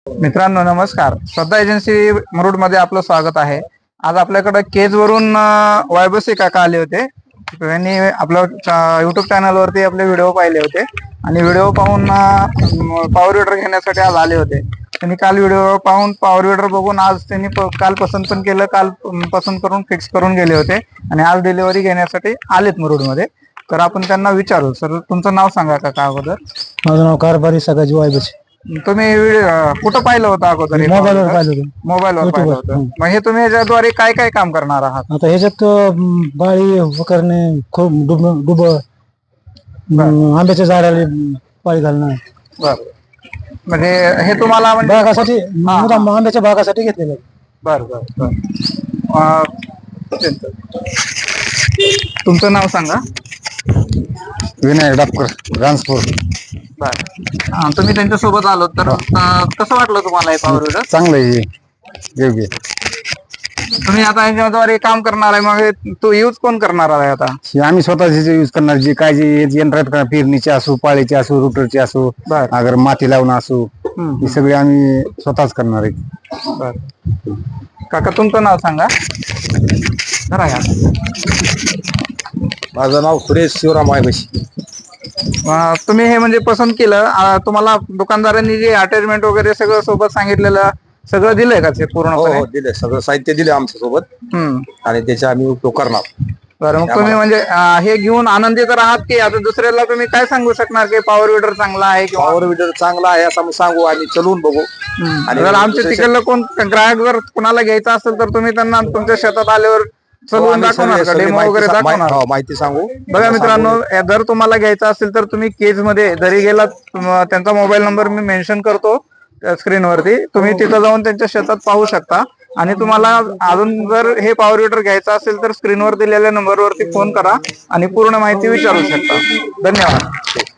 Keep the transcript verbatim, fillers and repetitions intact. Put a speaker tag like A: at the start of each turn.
A: मित्रांनो नमस्कार. श्रद्धा एजन्सी मुरुड मध्ये आपलं स्वागत आहे. आज आपल्याकडे केज वरून वायबसे काका आले होते. त्यांनी आपल्या युट्यूब चॅनल वरती आपले व्हिडिओ पाहिले होते आणि व्हिडिओ पाहून पॉवर विडर घेण्यासाठी आज आले होते. त्यांनी काल व्हिडिओ पाहून पॉवर विडर बघून आज त्यांनी काल पसंत पण केलं, काल पसंत करून फिक्स करून गेले होते आणि आज डिलिव्हरी घेण्यासाठी आलेत मुरुड मध्ये. तर आपण त्यांना विचारू. सर तुमचं नाव सांगा काका अगोदर.
B: माझं नाव कारभारी सगाजी वायबसे.
A: तुम्ही कुठं पाहिलं होतं अगोदर?
B: मोबाईलवर पाहिलं होतं.
A: मोबाईलवर पाहिलं होतं. मग हे तुम्ही याच्याद्वारे काय काय काम करणार आहात?
B: आता ह्याच्यात अं, बाळी वकरणे, खूप डुब डुब अं, आंब्याच्या झाडाला पाळी घालणं,
A: बर म्हणजे हे तुम्हाला म्हणजे
B: बागासाठी मुद्दाम आंब्याच्या बागासाठी घेतलेलं आहे.
A: बर बर बर अं, तुमचं नाव सांगा.
B: विनय डापकर रांजपूर.
A: बर हा, तुम्ही त्यांच्या सोबत आलो तर अं, कसं वाटलं तुम्हाला हे पॉवर विडर?
B: चांगलं आहे, योग्य.
A: तुम्ही आता याच्याद्वारे काम करणार आहे, मग हे तो यूज कोण करणार आहे आता?
B: आम्ही स्वतःच यूज करणार. जे काय जे यंत्र आहेत का, पेरणीचे असो, पाळीचे असो, रुटरचे असो,
A: बर
B: अगर माती लावणं असो,
A: हम्म,
B: हे सगळे आम्ही स्वतःच करणार आहे.
A: बर काका तुमचं नाव सांगा. जरा या.
B: माझं नाव सुरेश शिवराम वायबसे.
A: अं, तुम्ही हे म्हणजे पसंत केलं, अं, तुम्हाला दुकानदारांनी जे अटॅचमेंट वगैरे सगळं सोबत सांगितलेलं सगळं दिलंय का ते पूर्णपणे?
C: दिले सगळं साहित्य दिले आमच्या सोबत
A: हम्म.
C: आणि त्याचा आम्ही उपयोग करणार.
A: बरं मग तुम्ही म्हणजे अं, हे घेऊन आनंदी तर आहात की आता दुसऱ्याला तुम्ही काय सांगू शकणार की पॉवर विडर चांगला आहे किंवा?
C: पॉवर विडर चांगला आहे असं आम्ही सांगू, आम्ही चलवून बघू.
A: हम्म.
C: आणि
A: जर आमच्या
C: दुसऱ्या-
A: तिकडलं कोण ग्राहक जर कुणाला घ्यायचा असेल तर तुम्ही त्यांना तुमच्या शेतात आल्यावर चलवून
C: आम्ही
A: दाखवणार
C: सगळे-
A: का?
C: सगळे
A: डेमो
C: माहिती
A: वगैरे
C: सा- माहि-
A: दाखवणार?
C: हो, माहिती सांगू.
A: बघा मित्रांनो, जर तुम्हाला घ्यायचं असेल तर तुम्ही केज मध्ये जरी गेलात, तुम- त्यांचा मोबाईल नंबर मी मेन्शन करतो स्क्रीनवरती, तुम्ही तिथं जाऊन त्यांच्या शेतात पाहू शकता. आणि तुम्हाला अजून जर हे पॉवर विडर घ्यायचं असेल तर स्क्रीनवर दिलेल्या नंबरवरती फोन करा आणि पूर्ण माहिती विचारू शकता. धन्यवाद.